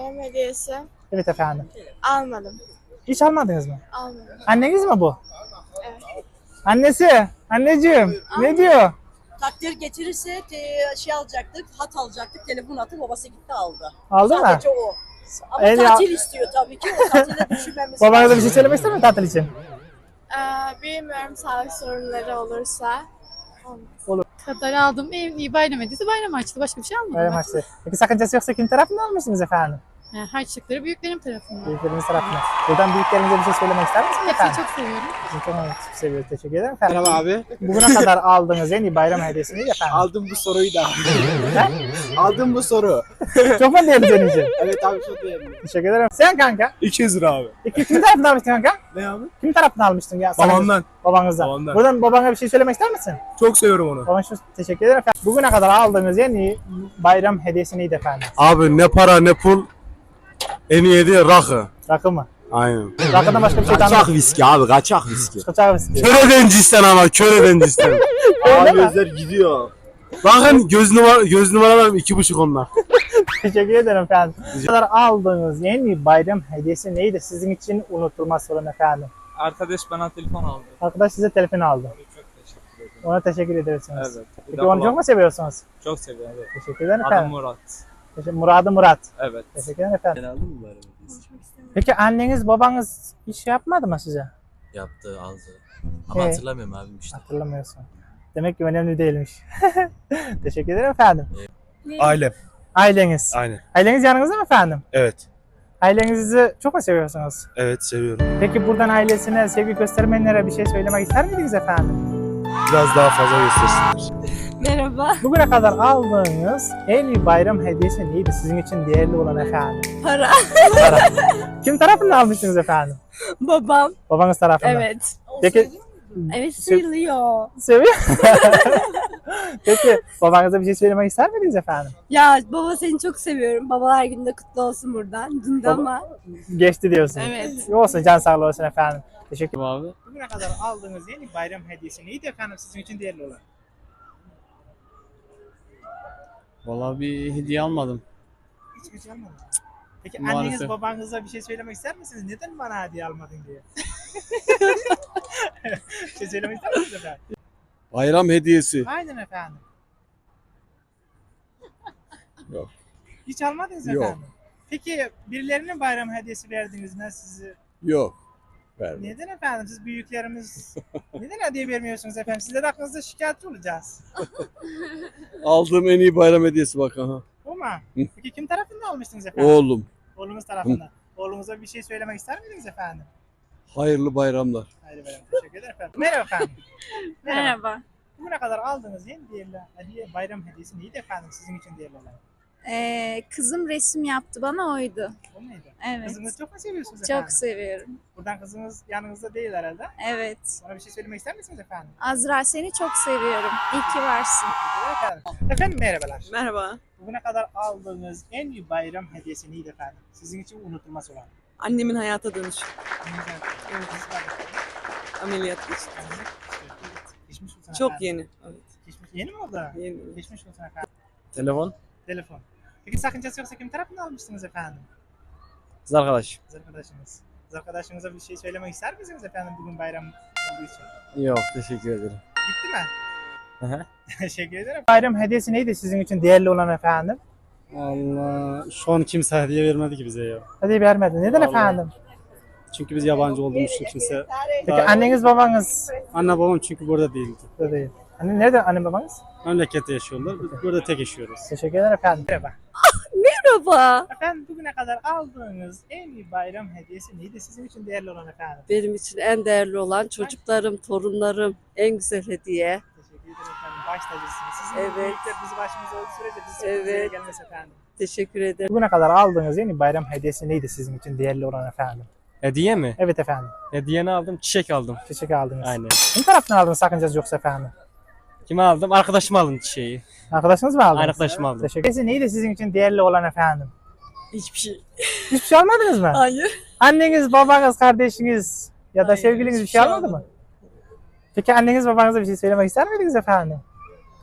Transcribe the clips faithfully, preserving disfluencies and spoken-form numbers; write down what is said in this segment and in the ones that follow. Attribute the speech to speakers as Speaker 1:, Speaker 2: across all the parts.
Speaker 1: bayram hediyesi
Speaker 2: Evet efendim.
Speaker 1: almadım.
Speaker 2: Hiç almadınız mı?
Speaker 1: Almadım.
Speaker 2: Anneniz mi bu?
Speaker 1: Evet.
Speaker 2: Annesi. Anneciğim. Ne diyor?
Speaker 3: Takdir getirirse te, şey alacaktık, hat alacaktık, telefon attı, babası gitti aldı.
Speaker 2: Aldı mı?
Speaker 3: Sadece o. Ama
Speaker 2: El ya-
Speaker 3: tatil istiyor tabii ki, o tatile düşünmemiz
Speaker 2: Babanıza bir şey söylemek ister mi tatil için?
Speaker 1: Ee, bilmiyorum, sağlık sorunları olursa. Olmaz.
Speaker 4: Kadar aldım. En iyi bayram hediyesi bayram harçlığı. Başka bir şey almadım.
Speaker 2: Bayram
Speaker 4: ben.
Speaker 2: harçlığı. Peki sakıncası yoksa kim tarafından almışsınız efendim?
Speaker 4: Yani harçlıkları büyüklerim tarafından.
Speaker 2: Büyüklerimiz tarafından. Buradan büyüklerimize bir şey söylemek ister misiniz
Speaker 4: Hepsini
Speaker 2: efendim?
Speaker 4: çok seviyorum.
Speaker 2: Çok, çok seviyoruz. Teşekkür ederim efendim.
Speaker 5: Merhaba abi.
Speaker 2: Bugüne kadar aldığınız en iyi bayram hediyesi neydi efendim?
Speaker 5: Aldım bu soruyu da. Aldım bu soru.
Speaker 2: Çok mu değerli senin için?
Speaker 5: Evet abi çok değerli.
Speaker 2: Teşekkür ederim. Sen kanka?
Speaker 5: iki yüz lira abi.
Speaker 2: İki, kim tarafından almıştın kanka?
Speaker 5: Ne abi?
Speaker 2: Kim tarafından almıştın ya? Sana-
Speaker 5: Babamdan.
Speaker 2: Babanızdan.
Speaker 5: Babamdan.
Speaker 2: Buradan babana bir şey söylemek ister misin?
Speaker 5: Çok seviyorum onu.
Speaker 2: Baban şu teşekkür ederim efendim. Bugüne kadar aldığınız en iyi bayram hediyesi neydi efendim?
Speaker 6: Abi ne para ne pul, en iyi hediye rakı.
Speaker 2: Rakı mı?
Speaker 6: Aynen.
Speaker 2: Rakıdan başka bir şey
Speaker 6: Kaçak
Speaker 2: tanımıyorum.
Speaker 6: viski abi, kaçak viski.
Speaker 2: Kaçak viski.
Speaker 6: Köreden cisten ama, köreden cisten.
Speaker 2: Öyle mi?
Speaker 6: Gözler gidiyor. Bakın göz numara göz numaralarım iki buçuk onlar.
Speaker 2: Teşekkür ederim efendim. Bu kadar aldığınız en iyi bayram hediyesi neydi? Sizin için unutulmaz olan efendim.
Speaker 7: Arkadaş bana telefon aldı.
Speaker 2: Arkadaş size telefon aldı.
Speaker 7: Çok teşekkür ederim.
Speaker 2: Ona teşekkür ediyorsunuz.
Speaker 7: Evet. Bir
Speaker 2: Peki
Speaker 7: de
Speaker 2: onu çok mu seviyorsunuz?
Speaker 7: Çok seviyorum. Evet.
Speaker 2: Teşekkür ederim
Speaker 7: Adım
Speaker 2: efendim.
Speaker 7: Murat.
Speaker 2: Teşekkür, Muradı Murat.
Speaker 7: Evet.
Speaker 2: Teşekkür ederim efendim.
Speaker 8: Ben aldım mı bayram hediyesi?
Speaker 2: Peki anneniz babanız iş yapmadı mı size?
Speaker 8: Yaptı, aldı. Ama
Speaker 2: Ee?
Speaker 8: hatırlamıyorum abim işte.
Speaker 2: Hatırlamıyorsun. Demek ki önemli değilmiş. Teşekkür ederim efendim.
Speaker 5: Ailem.
Speaker 2: Aileniz.
Speaker 5: Aynen.
Speaker 2: Aileniz yanınızda mı efendim?
Speaker 5: Evet.
Speaker 2: Ailenizi çok mu seviyorsunuz?
Speaker 5: Evet seviyorum.
Speaker 2: Peki buradan ailesine, sevgi göstermeyenlere bir şey söylemek ister miydiniz efendim?
Speaker 5: Biraz daha fazla göstersinler.
Speaker 1: Merhaba.
Speaker 2: Bugüne kadar aldığınız en iyi bayram hediyesi neydi sizin için değerli olan efendim?
Speaker 1: Para.
Speaker 2: Para. Kim tarafından almışsınız efendim?
Speaker 1: Babam.
Speaker 2: Babanız tarafından.
Speaker 1: Evet.
Speaker 2: Peki
Speaker 1: Evet, sayılıyor.
Speaker 2: seviyor. Peki babanıza bir şey söylemek ister miydiniz efendim?
Speaker 1: Ya baba, seni çok seviyorum. Babalar günü de kutlu olsun buradan. Dün de
Speaker 2: Baba-
Speaker 1: ama.
Speaker 2: Geçti diyorsunuz.
Speaker 1: Evet.
Speaker 2: Olsun, can sağlığı olsun efendim. Teşekkür ederim.
Speaker 7: Abi.
Speaker 2: Bugüne kadar aldığınız en iyi bayram hediyesi neydi efendim sizin için değerli olan?
Speaker 9: Vallahi bir hediye almadım.
Speaker 2: Hiç bir şey almadınız. Peki
Speaker 9: Maalesef.
Speaker 2: anneniz babanıza bir şey söylemek ister misiniz? Neden bana hediye almadın diye? Bir şey söylemek ister misiniz efendim?
Speaker 6: Bayram hediyesi.
Speaker 2: Aynen efendim.
Speaker 6: Yok.
Speaker 2: Hiç almadınız
Speaker 6: Yok.
Speaker 2: efendim. Peki birilerine bayram hediyesi verdiniz mi sizi?
Speaker 6: Yok. Verme.
Speaker 2: Neden efendim? Siz büyüklerimiz neden hediye vermiyorsunuz efendim? Sizler hakkınızda şikayetçi olacağız.
Speaker 6: Aldığım en iyi bayram hediyesi bak aha.
Speaker 2: O mu? Peki kim tarafından almıştınız efendim?
Speaker 6: Oğlum.
Speaker 2: Oğlunuz tarafından. Oğlunuza bir şey söylemek ister miydiniz efendim?
Speaker 6: Hayırlı bayramlar.
Speaker 2: Haydi bayram. Teşekkür ederim efendim. Merhaba efendim.
Speaker 1: Merhaba.
Speaker 2: Bugüne kadar aldığınız en değerli hediye, bayram hediyesi neydi efendim sizin için değerli olan?
Speaker 10: Ee, kızım resim yaptı bana, oydu.
Speaker 2: O muydu?
Speaker 10: Evet.
Speaker 2: Kızınızı çok mu seviyorsunuz efendim?
Speaker 10: Çok seviyorum.
Speaker 2: Buradan kızınız yanınızda değil herhalde.
Speaker 10: Evet.
Speaker 2: Ona bir şey söylemek ister misiniz efendim?
Speaker 10: Azra, seni çok seviyorum. İyi ki varsın.
Speaker 2: Teşekkür ederim efendim. Efendim merhabalar.
Speaker 3: Merhaba.
Speaker 2: Bugüne kadar aldığınız en iyi bayram hediyesi neydi efendim? Sizin için unutulmaz olan.
Speaker 3: Annemin hayata dönüşü.
Speaker 2: Evet.
Speaker 3: Ameliyat geçti.
Speaker 2: Geçmiş olsun
Speaker 3: Çok
Speaker 2: efendim.
Speaker 3: yeni. Evet.
Speaker 2: Geçmiş, yeni mi oldu?
Speaker 3: Yeni.
Speaker 2: Geçmiş olsun efendim.
Speaker 9: Telefon.
Speaker 2: Telefon. Peki sakıncası yoksa kim tarafından almıştınız efendim?
Speaker 9: Kız arkadaş.
Speaker 2: Kız arkadaşınız. Kız arkadaşınıza bir şey söylemek ister misiniz efendim bugün bayram olduğu için?
Speaker 9: Yok, teşekkür ederim.
Speaker 2: Gitti mi?
Speaker 9: Hı hı.
Speaker 2: Teşekkür ederim. Bayram hediyesi neydi sizin için değerli olan efendim?
Speaker 9: Allah, şu an kimse hediye vermedi ki bize ya.
Speaker 2: Hediye vermedi. Neden
Speaker 9: Vallahi.
Speaker 2: efendim?
Speaker 9: Çünkü biz yabancı olduğumuz için kimse.
Speaker 2: Peki
Speaker 9: Daha-
Speaker 2: anneniz babanız
Speaker 9: Anne babam çünkü burada değildi.
Speaker 2: da değil. Anne nerede anne babanız?
Speaker 9: Memlekette yaşıyorlar. Biz burada tek yaşıyoruz.
Speaker 2: Teşekkür ederim efendim. Merhaba.
Speaker 3: Merhaba.
Speaker 2: Efendim bugüne kadar aldığınız en iyi bayram hediyesi neydi sizin için değerli olan efendim?
Speaker 3: Benim için en değerli olan çocuklarım, torunlarım, en güzel hediye.
Speaker 2: Teşekkür ederim efendim. Baş tacısınız. Sizin
Speaker 3: Evet.
Speaker 2: büyükler bizi başımıza olduğu sürece biz
Speaker 3: Evet.
Speaker 2: evet. gelmez efendim.
Speaker 3: Teşekkür ederim.
Speaker 2: Bugüne kadar aldığınız en iyi bayram hediyesi neydi sizin için değerli olan efendim?
Speaker 9: Hediye mi?
Speaker 2: Evet efendim.
Speaker 9: Hediyeni aldım, çiçek aldım.
Speaker 2: Çiçek aldınız.
Speaker 9: Aynen.
Speaker 2: Kim tarafından aldınız sakıncası yoksa efendim?
Speaker 9: Kime aldım? Arkadaşıma aldım çiçeği.
Speaker 2: Arkadaşınız mı aldınız?
Speaker 9: Arkadaşıma aldım.
Speaker 2: Teşekkür ederim. Neydi sizin için değerli olan efendim?
Speaker 3: Hiçbir şey.
Speaker 2: Hiçbir şey almadınız mı?
Speaker 3: Hayır.
Speaker 2: Anneniz, babanız, kardeşiniz ya da
Speaker 3: Hayır,
Speaker 2: sevgiliniz bir
Speaker 3: hiçbir
Speaker 2: şey
Speaker 3: şey
Speaker 2: almadı mı? Peki anneniz babanıza bir şey söylemek ister miydiniz efendim?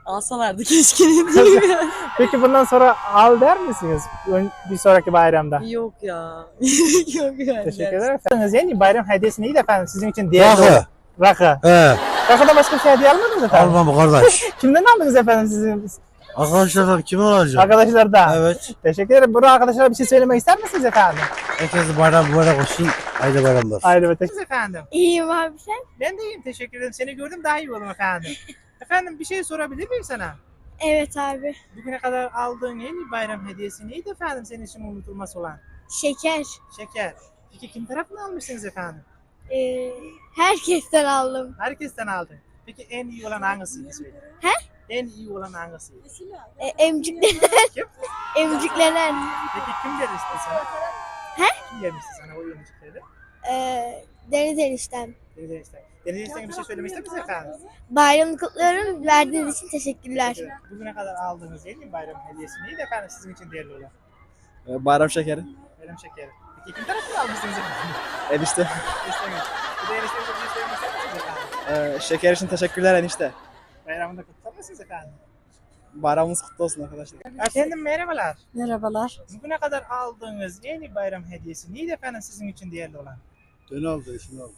Speaker 3: Alsalardı keşke ne diyeyim ya.
Speaker 2: Peki bundan sonra al der misiniz? Ön- Bir sonraki bayramda.
Speaker 3: Yok ya. Yok yani.
Speaker 2: Teşekkür ederim efendim. Yeni bayram hediyesi neydi efendim sizin için değerli?
Speaker 6: Rakı.
Speaker 2: Rakı.
Speaker 6: He.
Speaker 2: Rakıda başka bir şey hediye almadınız efendim?
Speaker 6: Almam kardeş.
Speaker 2: Kimden aldınız efendim sizin
Speaker 6: Arkadaşlar kim olacak?
Speaker 2: arkadaşlardan?
Speaker 6: Evet.
Speaker 2: Teşekkür ederim. Burada arkadaşlara bir şey söylemek ister misiniz efendim?
Speaker 6: Herkese bayram mübarek olsun. Haydi bayramlar.
Speaker 2: Haydi be teşekkür efendim.
Speaker 1: İyiyim abi sen?
Speaker 2: Ben de iyiyim teşekkür ederim. Seni gördüm daha iyi oldum efendim. Efendim bir şey sorabilir miyim sana?
Speaker 1: Evet abi.
Speaker 2: Bugüne kadar aldığın en iyi bayram hediyesi neydi efendim senin için unutulmaz olan?
Speaker 1: Şeker.
Speaker 2: Şeker. Peki kim tarafından almışsınız efendim?
Speaker 1: Ee, herkesten aldım.
Speaker 2: Herkesten aldın. Peki en iyi olan hangisiydi söyle?
Speaker 1: He?
Speaker 2: En iyi olan hangisiydi?
Speaker 1: Ee, emciklenen.
Speaker 2: Kim?
Speaker 1: Emciklenen.
Speaker 2: Peki kim gelmişti sana?
Speaker 1: He?
Speaker 2: Kim gelmişti sana o emcikleri?
Speaker 1: Ee, Deniz eniştem.
Speaker 2: Deniz Enişten. Deniz Enişten'e bir şey söylemek ister misiniz efendim?
Speaker 1: Bayramı kutluyorum. Verdiğiniz için teşekkürler.
Speaker 2: Teşekkür ederim. Bugüne kadar aldığınız en iyi bayram hediyesi neydi efendim sizin için değerli olan?
Speaker 5: Ee, Bayram şekeri.
Speaker 2: Bayram şekeri. Peki kim tarafından almışsınız efendim?
Speaker 5: Enişte.
Speaker 2: Enişteniz. Bir de eniştenize bir şey söylemek ister misiniz efendim?
Speaker 5: Ee, şeker için teşekkürler enişte.
Speaker 2: Bayramında kutlar mısınız efendim?
Speaker 5: Bayramınız kutlu olsun arkadaşlar.
Speaker 2: Efendim merhabalar.
Speaker 3: Merhabalar.
Speaker 2: Bugüne kadar aldığınız en iyi bayram hediyesi neydi efendim sizin için değerli olan?
Speaker 6: Dön aldı, şimdi aldı.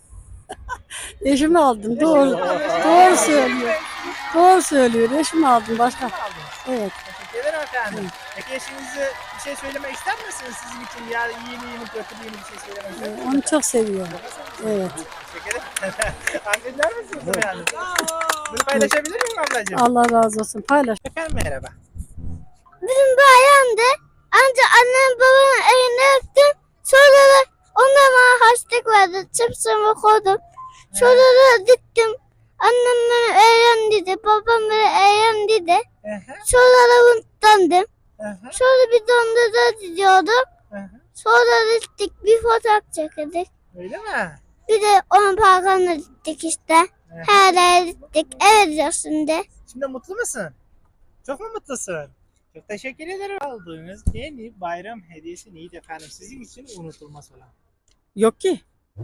Speaker 3: Eşimi aldım. Doğru. Doğru söylüyor. Doğru söylüyor. Eşimi aldım. Başka.
Speaker 2: Aldınız.
Speaker 3: Evet.
Speaker 2: Teşekkür ederim efendim. Peki eşinize bir şey söylemek ister misiniz sizin için? Ya iyi mi iyi mi kötü mü iyi mi bir şey söylemek ister misiniz?
Speaker 3: Onu çok seviyorum. Evet.
Speaker 2: Teşekkür ederim. Anlayacak mısınız efendim? Bunu paylaşabilir miyim ablacığım?
Speaker 3: Allah razı olsun. Paylaş.
Speaker 2: Efendim merhaba.
Speaker 1: Bizim bayramdı. Ancak annem babamın elini öptüm. Sonra da onlar bana harçlık verdi. Çipsimi koydum. Sonra da diktim. Annem beni eğlen dedi. Babam beni eğlen dedi.
Speaker 2: Aha,
Speaker 1: Sonra da unuttandım.
Speaker 2: aha,
Speaker 1: Sonra bir dondurma diyordum.
Speaker 2: aha.
Speaker 1: Sonra gittik bir fotoğraf çekildik.
Speaker 2: Öyle mi?
Speaker 1: Bir de onun parkına gittik işte. Her yere gittik. Evet diyorsun de.
Speaker 2: Şimdi mutlu musun? Çok mu mutlusun? Çok teşekkür ederim. Aldığınız en iyi bayram hediyesi neydi efendim? Sizin için unutulmaz olan.
Speaker 3: Yok ki.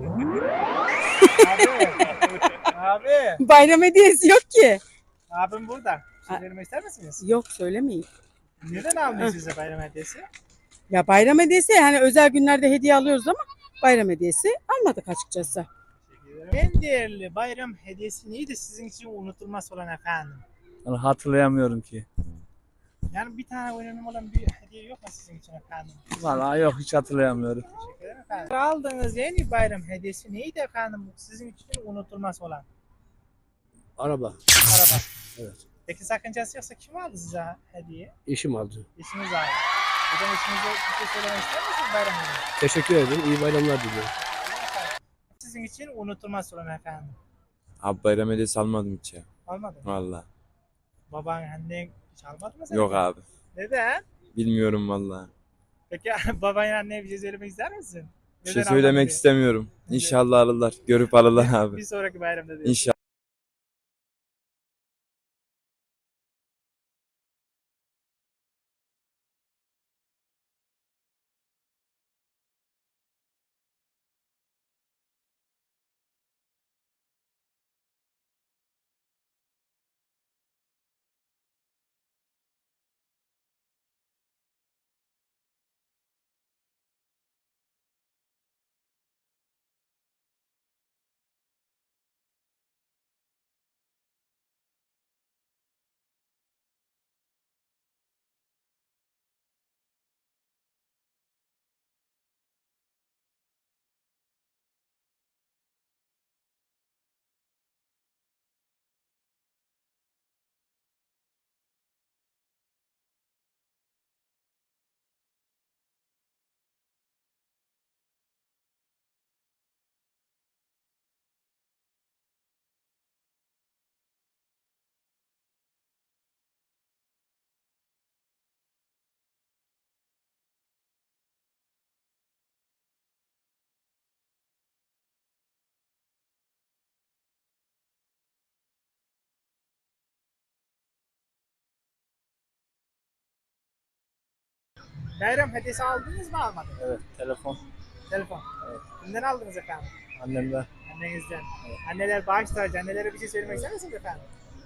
Speaker 2: Abi. Abi.
Speaker 3: Bayram hediyesi yok ki.
Speaker 2: Abim burada. Bir şey söylemek ister misiniz?
Speaker 3: Yok söylemeyin.
Speaker 2: Neden aldınız size bayram hediyesi?
Speaker 3: Ya bayram hediyesi yani özel günlerde hediye alıyoruz ama bayram hediyesi almadık açıkçası.
Speaker 2: Teşekkür ederim. En değerli bayram hediyesi neydi sizin için unutulmaz olan efendim?
Speaker 7: Yani hatırlayamıyorum ki.
Speaker 2: Yani bir tane önemli olan bir hediye yok mu sizin için efendim?
Speaker 7: Vallahi yok hiç hatırlayamıyorum.
Speaker 2: Teşekkür ederim efendim. Aldığınız en iyi bayram hediyesi neydi efendim sizin için unutulmaz olan?
Speaker 6: Araba.
Speaker 2: Araba.
Speaker 6: Evet.
Speaker 2: Peki sakıncası yoksa kim aldı size hediye?
Speaker 6: Eşim aldı.
Speaker 2: İşiniz aldı. Hocam işinize bir şey söylemek ister misiniz bayram hediyesi?
Speaker 6: Teşekkür ederim. İyi bayramlar diliyorum.
Speaker 2: Sizin için unutulmaz olan efendim.
Speaker 11: Abi bayram hediyesi almadım hiç ya.
Speaker 2: Almadın mı?
Speaker 11: Valla.
Speaker 2: Baban, annen hiç almadı mı seni?
Speaker 11: Yok abi.
Speaker 2: Neden?
Speaker 11: Bilmiyorum valla.
Speaker 2: Peki baban anneye bir şey söylemek ister misin?
Speaker 11: Bir
Speaker 2: Neden
Speaker 11: şey
Speaker 2: almadın
Speaker 11: söylemek
Speaker 2: diye?
Speaker 11: istemiyorum. İnşallah alırlar. Görüp alırlar abi.
Speaker 2: Bir sonraki bayramda diyor.
Speaker 11: İnşallah.
Speaker 2: Bayram hediyesi aldınız mı almadınız?
Speaker 5: Evet telefon.
Speaker 2: Telefon. Evet. Kimden aldınız efendim?
Speaker 5: Annemden.
Speaker 2: Annenizden. Anneler bağış tacı. Annelere bir şey söylemek ister misiniz efendim?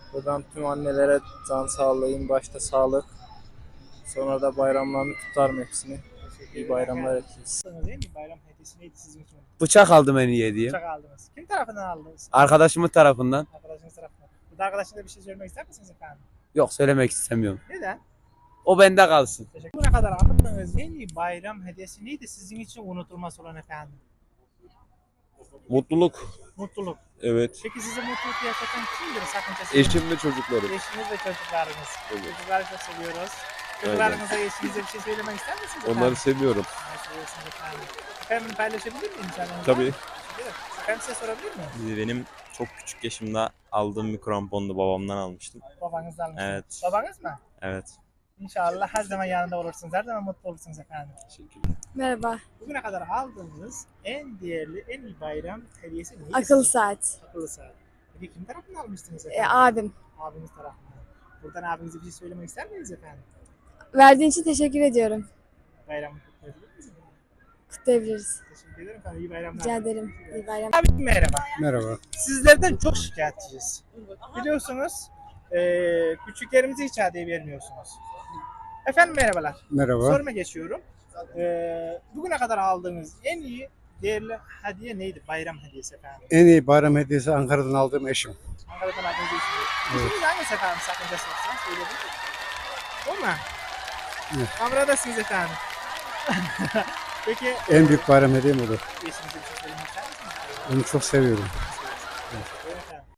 Speaker 7: Buradan tüm annelere can sağlığın başta sağlık. Sonra da bayramlarını tutarım hepsini. İyi bayramlar herkese.
Speaker 2: Değil mi? Bayram hediyesi neydi sizin için?
Speaker 6: Bıçak aldım en iyi hediye.
Speaker 2: Bıçak aldınız. Kim tarafından aldınız?
Speaker 6: Arkadaşımın tarafından.
Speaker 2: Arkadaşınız tarafından. Burada arkadaşınıza bir şey söylemek ister misiniz efendim?
Speaker 6: Yok, söylemek istemiyorum.
Speaker 2: Neden?
Speaker 6: O bende kalsın.
Speaker 2: Teşekkür ederim. Ne kadar aldığınız en iyi bayram hediyesi neydi sizin için unutulmaz olan efendim?
Speaker 11: Mutluluk.
Speaker 2: Mutluluk.
Speaker 11: Evet.
Speaker 2: Peki size mutluluk yaşatan kimdir? Sakıncası
Speaker 11: Eşim ve çocuklarım.
Speaker 2: Eşiniz ve çocuklarınız.
Speaker 11: Evet.
Speaker 2: Çocukları çok seviyoruz. Çocuklarınıza, eşinize bir şey söylemek ister misiniz efendim?
Speaker 11: Onları seviyorum.
Speaker 2: Onları seviyorsunuz efendim. Efendim paylaşabilir miyim canım?
Speaker 11: Tabii.
Speaker 2: Efendim size sorabilir miyim?
Speaker 8: Benim çok küçük yaşımda aldığım bir krampondu, babamdan almıştım.
Speaker 2: Babanızdan almışsınız.
Speaker 8: Evet.
Speaker 2: Babanız mı?
Speaker 8: Evet.
Speaker 2: İnşallah her zaman yanında olursunuz. Her zaman mutlu olursunuz efendim.
Speaker 11: Teşekkürler.
Speaker 10: Merhaba.
Speaker 2: Bugüne kadar aldığınız en değerli, en iyi bayram hediyesi neydi?
Speaker 10: Akıllı
Speaker 2: sizin?
Speaker 10: saat.
Speaker 2: Akıllı saat. Peki kim tarafından almıştınız
Speaker 10: E,
Speaker 2: efendim?
Speaker 10: abim.
Speaker 2: Abiniz tarafından. Buradan abinize bir şey söylemek ister miyiz efendim?
Speaker 10: Verdiğin için teşekkür ediyorum.
Speaker 2: Bayramı kutlayabilir miyiz?
Speaker 10: Kutlayabiliriz.
Speaker 2: Teşekkür ederim efendim. İyi bayramlar.
Speaker 10: Rica ederim. İyi bayram.
Speaker 2: Abi merhaba.
Speaker 9: Merhaba.
Speaker 2: Sizlerden çok şikayetçiyiz. Biliyorsunuz eee küçüklerimize hiç hediye vermiyorsunuz. Efendim merhabalar.
Speaker 9: Merhaba.
Speaker 2: Soruma geçiyorum. Eee bugüne kadar aldığınız en iyi değerli hediye neydi? Bayram hediyesi efendim.
Speaker 9: En iyi bayram hediyesi Ankara'dan aldığım eşim.
Speaker 2: Ankara'dan aldığınız eşiniz. Eşiniz hangisi efendim sakıncası yoksa söyleyebilir. O mu?
Speaker 9: Evet.
Speaker 2: Kameradasınız efendim. Peki
Speaker 9: En büyük bayram hediyem odur.
Speaker 2: eşinize bir şey söylemek ister misiniz?
Speaker 9: Onu çok seviyorum.